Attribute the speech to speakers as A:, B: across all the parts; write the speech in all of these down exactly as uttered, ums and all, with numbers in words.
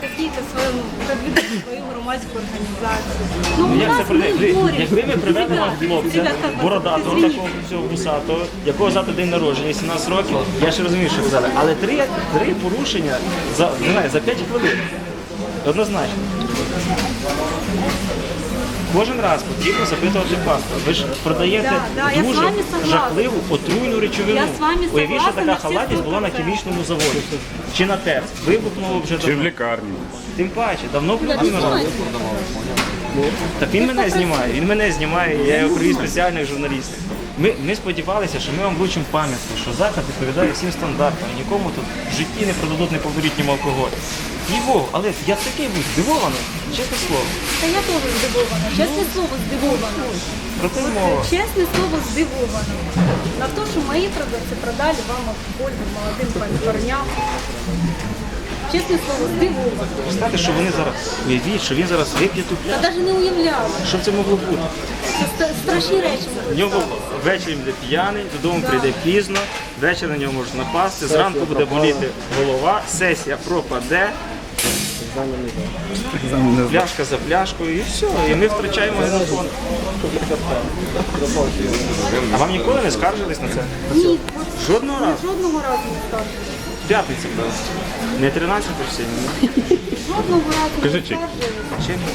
A: какие-то свою, продвигать свою громадську організацію. Ну,
B: Ну,
A: у
B: як це
A: нас
B: прийде?
A: ми
B: Ви-
A: боремося.
B: Якби ми привели вам
A: Ребята,
B: хлопця,
A: ребята,
B: бородатого,
A: извините.
B: такого всього вусатого, якого завтра день народження, сімнадцять років, я ще розумію, що ви взяли. Але три, три порушення за, не знаю, за п'ять хвилин. Однозначно. Кожен раз потрібно запитувати паспорт. Ви ж продаєте
A: Да, да, я з
B: дуже
A: вами согласна.
B: жахливу отруйну речовину.
A: Я з вами
B: Уявіть, що
A: согласна
B: така
A: на всі
B: халатність була на
A: сто процентів.
B: хімічному заводі. Чи на ТЕЦ. Вибухнуло вже
C: Чи в
B: давно.
C: лікарні.
B: Тим паче, давно б
A: Я
B: людина
A: знаю.
B: робила. Так він мене знімає, він мене знімає, я його привіз спеціальних журналістів. Ми, ми сподівалися, що ми вам вручимо пам'ятку, що заклад відповідає всім стандартам, нікому тут в житті не продадуть неповнолітнім алкоголь. Їй-богу, але я такий був здивований, чесне слово.
A: Та я теж здивована. Чесне слово, здивована.
B: Про те й мова.
A: Чесне слово, здивована. На те, що мої продавці продали вам алкоголь молодим парням. Чесне слово, здивована.
B: Представте, що вони зараз, уявіть, що він зараз вип'є тут.
A: Я навіть не уявляла.
B: Що б це могло бути?
A: Це ста- страшні речі.
B: В нього ввечері буде п'яний, додому прийде пізно, ввечері на нього можуть напасти, зранку буде боліти голова, сесія пропаде, пляшка за пляшкою і все, і ми втрачаємо генофонд. А вам ніколи не скаржились на це?
A: Ні,
B: Жодного разу?
A: жодного разу не скажу.
B: П'ятниця, правда. Не тринадцять сьогодні, ні?
A: Жодного разу не
C: Кажи, чек.
A: скаржилась.
B: Чим?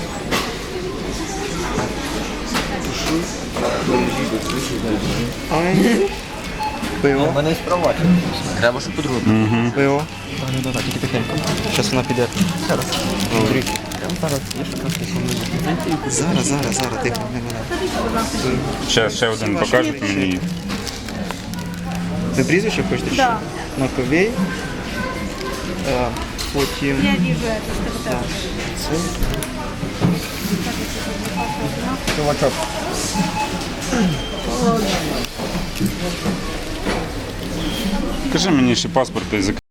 D: У мене є права. Треба, щоб по-другому.
B: Пиво.
D: Ну, да, тільки тихенько.
B: Зараз вона піде.
D: Зараз.
B: Говори.
D: Прямо зараз. Є ще краски
B: Зараз, зараз, зараз, тихо, не мене.
C: Ще, ще один покажете мені.
B: Ви прізвище хочете?
A: Да.
B: Маковей. Е, Потім.
A: Я вижу это.
B: Так, це.
D: Чувачок.
C: Покажи мені ще паспорт і